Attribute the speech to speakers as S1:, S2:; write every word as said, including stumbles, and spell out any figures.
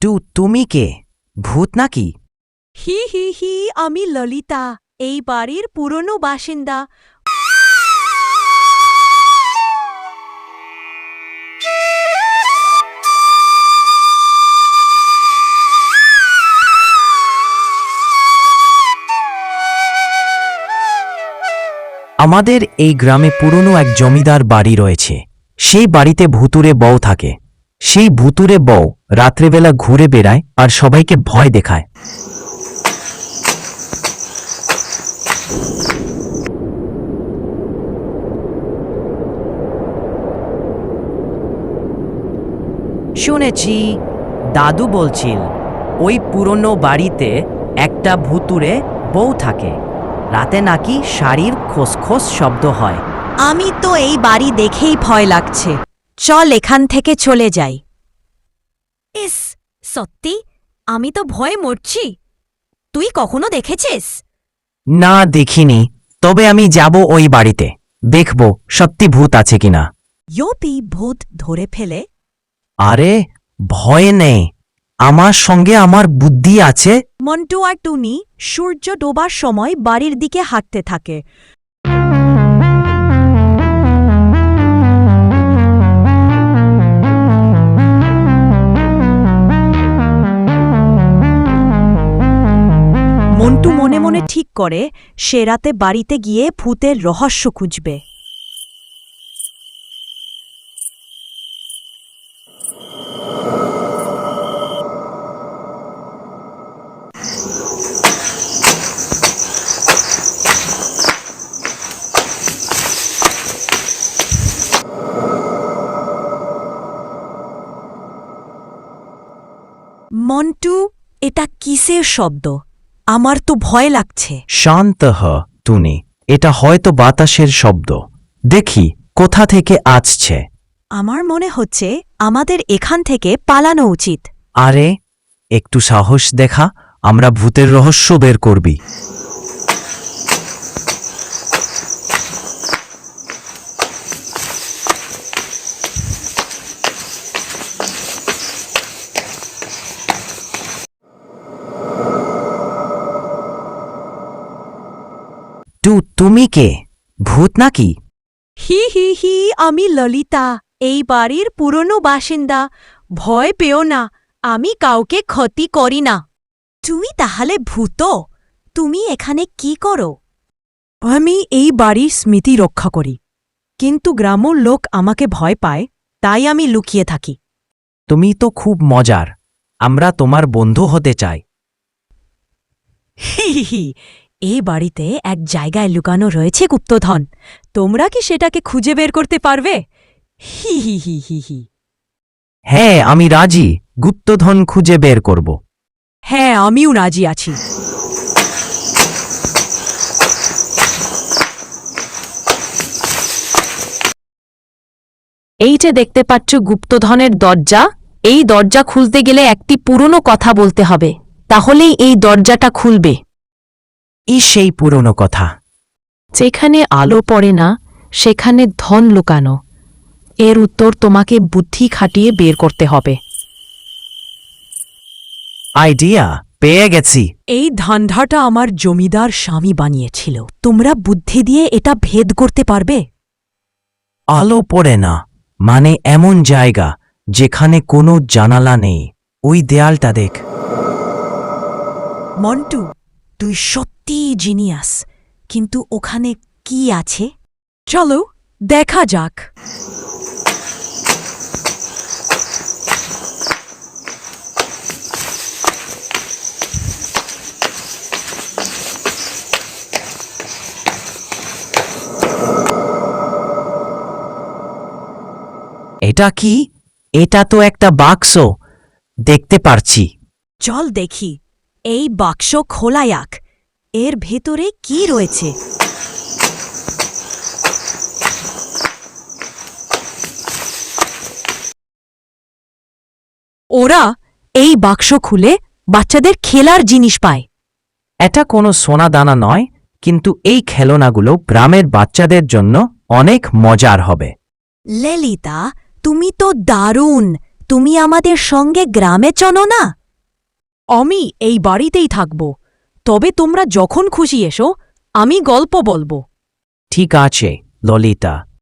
S1: Two তুমি কে? ভূত নাকি?
S2: হি হি হি আমি ললিতা, এই বাড়ির পুরনো বাসিন্দা।
S1: আমাদের এই গ্রামে পুরনো এক জমিদার বাড়ি রয়েছে। সেই বাড়িতে ভুতুরে বউ থাকে। সেই ভুতুরে বউ রাত্রেবেলা ঘুরে বেড়ায় আর সবাইকে ভয় দেখায়। শুনেছি, দাদু বলছিল ওই পুরনো বাড়িতে একটা ভুতুরে বউ থাকে। রাতে নাকি শাড়ির খোসখোস শব্দ হয়।
S2: আমি তো এই বাড়ি দেখেই ভয় লাগছে। চল এখান থেকে চলে যাই। ইস, সত্যি আমি তো ভয়ে মরছি। তুই কখনো দেখেছিস?
S1: না, দেখিনি। তবে আমি যাব ওই বাড়িতে, দেখব সত্যি ভূত আছে কিনা।
S2: ইয়োপি ভূত ধরে ফেলে?
S1: আরে ভয় নেই, আমার সঙ্গে আমার বুদ্ধি আছে।
S2: মন্টু আর টুনি সূর্য ডোবার সময় বাড়ির দিকে হাঁটতে থাকে। মন্টু মনে মনে ঠিক করে সে রাতে বাড়িতে গিয়ে ভূতের রহস্য খুঁজবে। মন্টু, এটা কিসের শব্দ? আমার তো ভয় লাগছে।
S1: শান্ত হ টুনি, এটা হয়তো বাতাসের শব্দ। দেখি কোথা থেকে আসছে।
S2: আমার মনে হচ্ছে আমাদের এখান থেকে পালানো উচিত।
S1: আরে একটু সাহস দেখা, আমরা ভূতের রহস্য বের করবি। টু তুমি কে? ভূত নাকি?
S2: হি হি হি আমি ললিতা, এই বাড়ির পুরনো বাসিন্দা। ভয় পেও না, আমি কাউকে ক্ষতি করি না। তুমি তাহলে ভূত? তুমি এখানে কি করো? আমি এই বাড়ির স্মৃতি রক্ষা করি, কিন্তু গ্রামের লোক আমাকে ভয় পায়, তাই আমি লুকিয়ে থাকি।
S1: তুমি তো খুব মজার, আমরা তোমার বন্ধু হতে চাই।
S2: হি হি হি এই বাড়িতে এক জায়গায় লুকানো রয়েছে গুপ্তধন। তোমরা কি সেটাকে খুঁজে বের করতে পারবে? হি হি হি হি হি
S1: হ্যাঁ, আমি রাজি, গুপ্তধন খুঁজে বের করব।
S2: হ্যাঁ, আমিও রাজি আছি।
S3: এই যে দেখতে পাচ্ছ গুপ্তধনের দরজা, এই দরজা খুলতে গেলে একটি পুরনো কথা বলতে হবে, তাহলেই এই দরজাটা খুলবে।
S1: ই সেই পুরনো কথা।
S3: যেখানে আলো পড়ে না সেখানে ধন লুকানো। এর উত্তর তোমাকে বুদ্ধি খাটিয়ে বের করতে হবে।
S1: আইডিয়া পেয়ে গেছি।
S2: এই ধান্ধাটা আমার জমিদার স্বামী বানিয়েছিল। তোমরা বুদ্ধি দিয়ে এটা ভেদ করতে পারবে?
S1: আলো পড়ে না মানে এমন জায়গা যেখানে কোনো জানালা নেই। ওই দেয়ালটা দেখ।
S2: মন্টু, তুই সত্যিই জিনিয়াস, কিন্তু ওখানে কি আছে? চলো দেখা যাক।
S1: এটা কি? এটা তো একটা বাক্স দেখতে পারছি।
S2: চল দেখি। এই বাক্স খোলা যাক। এর ভেতরে কি রয়েছে? ওরা এই বাক্স খুলে বাচ্চাদের খেলার জিনিস পায়।
S1: এটা কোনো সোনা দানা নয়, কিন্তু এই খেলনাগুলো গ্রামের বাচ্চাদের জন্য অনেক মজার হবে।
S2: ললিতা, তুমি তো দারুণ। তুমি আমাদের সঙ্গে গ্রামে চলো না?
S3: আমি এই বাড়িতেই থাকব, তবে তোমরা যখন খুশি এসো, আমি গল্প বলবো।
S1: ঠিক আছে ললিতা,